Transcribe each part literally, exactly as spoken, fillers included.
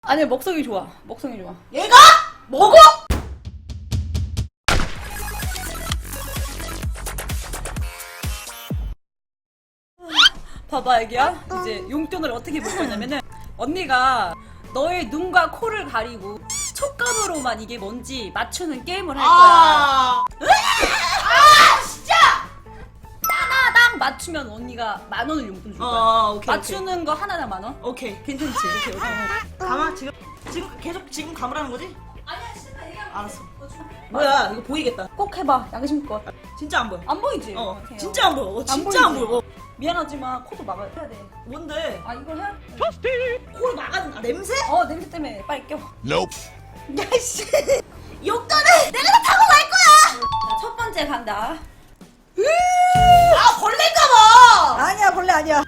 아니 먹성이 좋아. 먹성이 좋아. 얘가? 먹어? 봐봐 애기야. 이제 용돈을 어떻게 볼 거냐면은 언니가 너의 눈과 코를 가리고 촉감으로만 이게 뭔지 맞추는 게임을 할 거야. 아, 아 진짜! 하나당 맞추면 언니가 만 원을 용돈 줄 거야. 어, 오케이. 맞추는 거 하나당 만 원? 오케이. 괜찮지? 오케이, 오케이. 감아 지금 지금 계속 지금 감으라는 거지? 아니야, 진짜 얘기하면 알았어. 뭐야 이거 보이겠다. 꼭 해봐. 양심껏. 진짜 안 보여. 안 보이지? 어, 오케이. 진짜 안 보여. 어, 진짜 안 보이지? 보여. 어. 미안하지만 코도 막아야 돼. 뭔데? 아 이걸 해야? 코를 막아는 아, 냄새? 어 냄새 때문에 빨리 껴. Nope. 야씨. 욕전에 내가 다 타고 갈 거야. 자, 첫 번째 간다. 아 벌레인가봐. 아니야 벌레 아니야.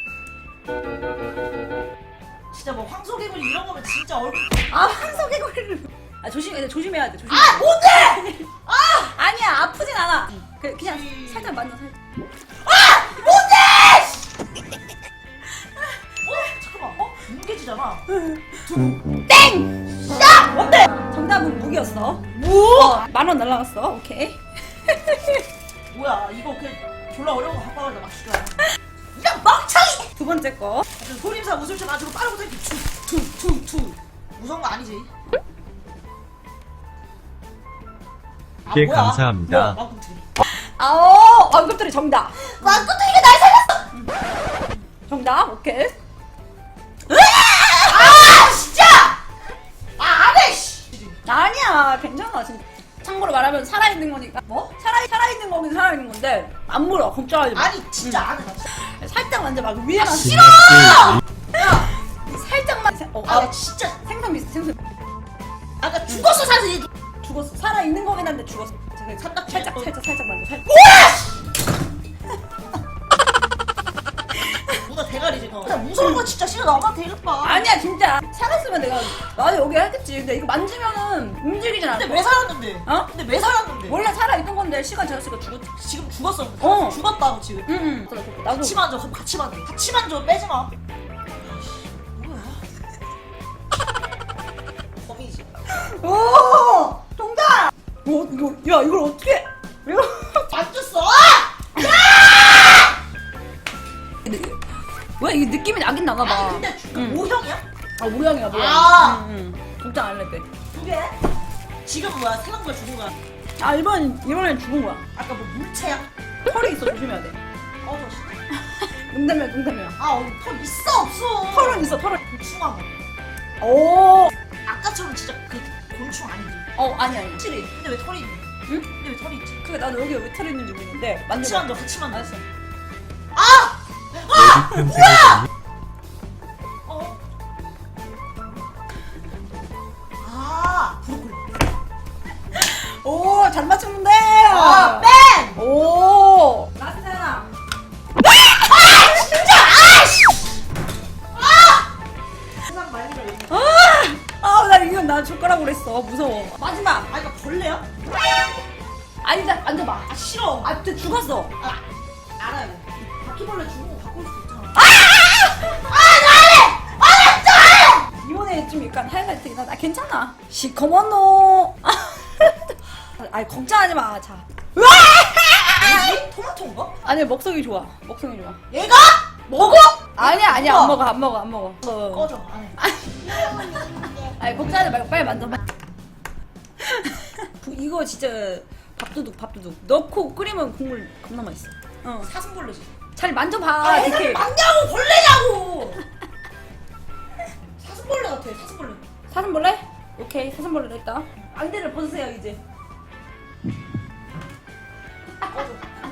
진짜 뭐 황소개구리 이런 거면 진짜 얼굴. 아 황소개구리를. 아 조심, 조심해야 돼. 조심. 아 뭔데? 아 아니야 아프진 않아. 그, 그냥 살짝 만져 살짝. 아! 뭔데! 어? 잠깐만. 어? 뭉개지잖아. 땡! 야! 뭔데? 정답은 무기였어. 뭐? 어, 만원 날라갔어. 오케이. 뭐야 이거 그냥 졸라 어려운 거 갖고 와서 막 죽여. 야 멍청이! 두 번째 거. 소림사 웃음쳐 가지고 빠르고 이렇게 툭툭툭툭 무서운 거 아니지? 아, 예, 뭐야? 감사합니다. 뭐야, 왕꿈틀이. 아오 왕급들이 정답. 왕꿈틀이가 날 살렸어! 정답. 오케이. 아 진짜! 아 안해 씨! 아니야 괜찮아 진짜. 참고로 말하면 살아있는 거니까. 뭐? 살아 살아있는 거긴 살아있는 건데 안 물어. 걱정하지 마. 아니 진짜 안해 나 진짜. 살짝 만져 막 위에만. 싫어! 야! 살짝만. 생- 어, 아 아, 진짜 생선 비슷 생선. 아까 죽었어 사실. 죽었어. 살아 있는 거긴 한데 죽었어. 제가 삼각 살짝 어. 살짝 살짝 만져. 살짝. 누나 대가리지 너. 나 무서운 거 진짜 싫어. 나만 대급봐. 아니야 진짜 살았으면 내가 나도 여기 했겠지. 근데 이거 만지면은 움직이진 않아. 근데 왜 살았는데? 어? 근데 왜 살았는데? 원래 살아 있던 건데 시간 지났으니까 죽었. 지금 죽었어. 어. 죽었다고 지금. 응응. 나도. 같이 만져. 그럼 같이 만져. 같이 만져. 빼지 마. 뭐야? 범이지. 오 정답. 어 이거 야 이걸 어떻게? 이거 만졌어. 근데 왜 이게 느낌이 나긴 나나 봐. 아 근데 주- 응. 모형이야? 아 모양이야 모양. 아. 응, 응. 걱정 안 해도 돼. 두 개? 지금 뭐야? 사는 거야? 죽은 거야? 아 이번 이번엔 죽은 거야. 아까 뭐 물체야? 털이 있어 조심해야 돼. 어, 저 진짜. 농담이야 농담이야. 아, 어, 털 있어 없어? 털은 있어 털은. 곤충한 거. 오. 아까처럼 진짜 그 곤충 아니지? 어 아니 아니. 확실히. 근데 왜 털이 있니? 응? 근데 왜 털이 있지? 그게 나도 여기 왜 털이 있는지 모르겠는데 같이 만져봐. 만져, 같이 만져. 알았어. 아! 뭐야? 어? 아, 브로콜리. 오 잘 맞췄는데. 아, 뺀! 오. 라스트 하나. 진짜! 아이씨! 아! 세상 말리가 왜 있냐? 아나 이건 나 젓가락으로 했어. 무서워. 마지막. 아, 이거 벌레야? 아니다 만져봐. 아, 싫어. 아, 아 진짜 죽었어. 아, 알아요. 바퀴벌레 죽은 거 바꿀 수 있잖아. 이번에 좀 약간 하이라이트긴 하다. 아, 괜찮아. 시커먼노. 아니 걱정하지 마. 자. 뭐지? 토마토인가? 아니 먹성이 좋아. 먹성이 좋아. 얘가? 먹어? 아니야 아니야 먹어. 안 먹어 안 먹어 안 먹어. 어. 꺼져, 안 해. 아니 걱정하지 말고 빨리 만져봐. 이거 진짜 밥도둑 밥도둑. 넣고 끓이면 국물 겁나 맛있어. 어. 사슴벌레지. 잘 만져봐. 아, 이렇게. 애들 맞냐고, 벌레냐고! 사슴벌레 같아, 사슴벌레. 사슴벌레? 오케이 사슴벌레로 했다. 안대를 벗으세요 이제. 꺼져.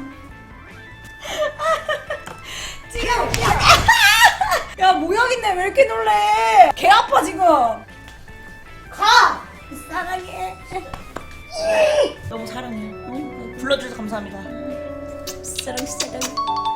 지금 야 모양인데 왜 이렇게 놀래? 개 아파 지금. 가! 사랑해. 너무 사랑해. 불러주셔서 감사합니다. 사랑 사랑.